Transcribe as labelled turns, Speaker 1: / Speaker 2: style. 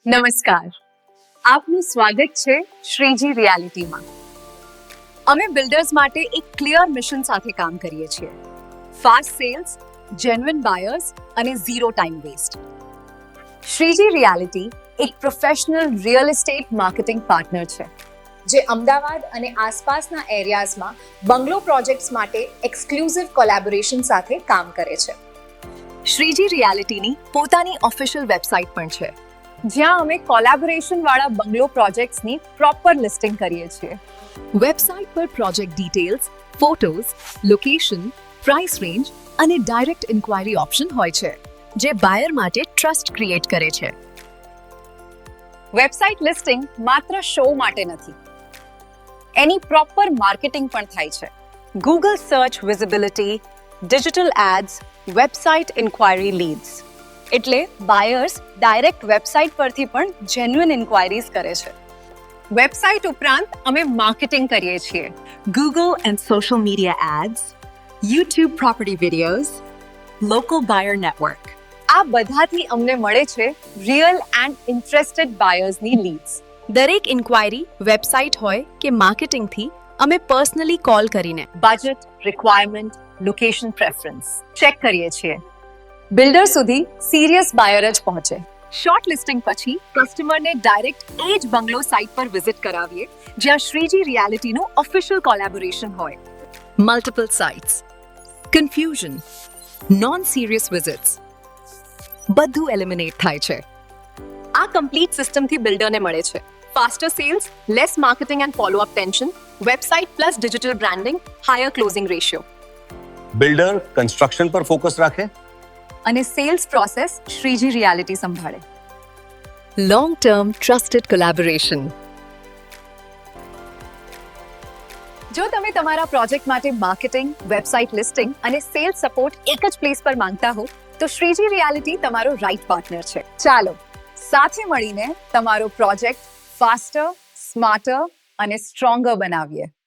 Speaker 1: નમસ્કાર, આપનું સ્વાગત છે શ્રીજી રિયાલિટીમાં. અમે બિલ્ડર્સ માટે એક ક્લિયર મિશન સાથે કામ કરીએ છીએ. ફાસ્ટ સેલ્સ, જેન્યુઇન બાયર્સ અને zero time waste. Shreeji reality એક professional real estate marketing partner છે જે અમદાવાદ અને આસપાસના એરિયાઝમાં બંગલો પ્રોજેક્ટ્સ માટે એક્સક્લુઝિવ કોલેબોરેશન સાથે કામ કરે છે. શ્રીજી રિયાલિટીની પોતાની ઓફિશિયલ વેબસાઇટ પણ છે, જ્યાં અમે કોલેબોરેશન વાળા બંગલો પ્રોજેક્ટ્સની પ્રોપર લિસ્ટિંગ કરીએ છીએ. વેબસાઇટ પર project details, photos, location, price range અને ડાયરેક્ટ ઇન્ક્વાયરી ઓપ્શન હોય છે, જે બાયર માટે ટ્રસ્ટ ક્રિએટ કરે છે. વેબસાઇટ લિસ્ટિંગ માત્ર શો માટે નથી, એની પ્રોપર માર્કેટિંગ પણ થાય છે. Google search visibility, digital ads, website inquiry leads, એટલે બાયર્સ ડાયરેક્ટ વેબસાઇટ પરથી પણ જેન્યુઇન ઇન્ક્વાયરીઝ કરે છે. વેબસાઇટ ઉપરાંત અમે માર્કેટિંગ કરીએ છીએ. Google and social media ads, YouTube property videos, local buyer network, આ બધાથી અમને મળે છે રિયલ એન્ડ ઇન્ટરેસ્ટેડ બાયર્સની લીડ્સ.
Speaker 2: દરેક ઇન્ક્વાયરી વેબસાઇટ હોય કે માર્કેટિંગથી અમે પર્સનલી કોલ કરીને
Speaker 1: budget, requirement, location preference check કરીએ છીએ. બિલ્ડર સુધી સિરિયસ બાયર જ પહોંચે. શોર્ટ લિસ્ટિંગ પછી કસ્ટમરને ડાયરેક્ટ એ જ બંગલો સાઇટ પર વિઝિટ કરાવીએ, જ્યાં શ્રીજી રિયાલિટીનું ઓફિશિયલ કોલેબોરેશન હોય. Multiple sites, confusion, non serious visits, બધું એલિમિનેટ થાય છે. આ કમ્પ્લીટ સિસ્ટમથી બિલ્ડરને મળે છે faster sales, less marketing and follow up tension, website plus digital branding, higher closing ratio.
Speaker 3: Builder construction પર ફોકસ રાખે
Speaker 1: અને સેલ્સ પ્રોસેસ શ્રીજી રિયાલિટી સંભાળે.
Speaker 2: Long term trusted collaboration.
Speaker 1: જો તમે તમારા પ્રોજેક્ટ માટે માર્કેટિંગ, વેબસાઇટ લિસ્ટિંગ અને સેલ્સ સપોર્ટ એક જ પ્લેસ પર માંગતા હો, તો શ્રીજી રિયાલિટી તમારો રાઇટ પાર્ટનર છે. ચાલો સાથે મળીને તમારો પ્રોજેક્ટ ફાસ્ટર, સ્માર્ટર અને સ્ટ્રોંગર બનાવીએ.